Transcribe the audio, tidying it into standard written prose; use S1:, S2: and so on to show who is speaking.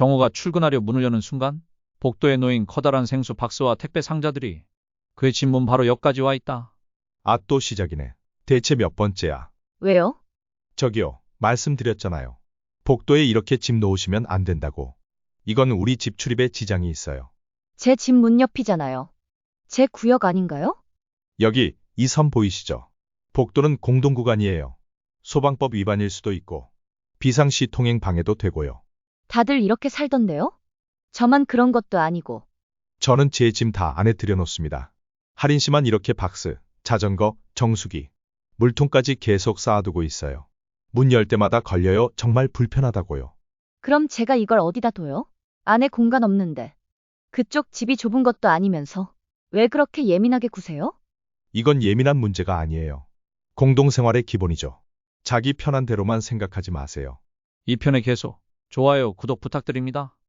S1: 정호가 출근하려 문을 여는 순간 복도에 놓인 커다란 생수 박스와 택배 상자들이 그의 집 문 바로 옆까지 와 있다.
S2: 아, 또 시작이네. 대체 몇 번째야?
S3: 왜요?
S2: 저기요, 말씀드렸잖아요. 복도에 이렇게 집 놓으시면 안 된다고. 이건 우리 집 출입에 지장이 있어요.
S3: 제 집 문 옆이잖아요. 제 구역 아닌가요?
S2: 여기 이 선 보이시죠? 복도는 공동구간이에요. 소방법 위반일 수도 있고 비상시 통행 방해도 되고요.
S3: 다들 이렇게 살던데요? 저만 그런 것도 아니고.
S2: 저는 제 짐 다 안에 들여놓습니다. 할인 씨만 이렇게 박스, 자전거, 정수기, 물통까지 계속 쌓아두고 있어요. 문 열 때마다 걸려요. 정말 불편하다고요.
S3: 그럼 제가 이걸 어디다 둬요? 안에 공간 없는데. 그쪽 집이 좁은 것도 아니면서. 왜 그렇게 예민하게 구세요?
S2: 이건 예민한 문제가 아니에요. 공동생활의 기본이죠. 자기 편한 대로만 생각하지 마세요.
S1: 이 편의 계속 좋아요, 구독 부탁드립니다.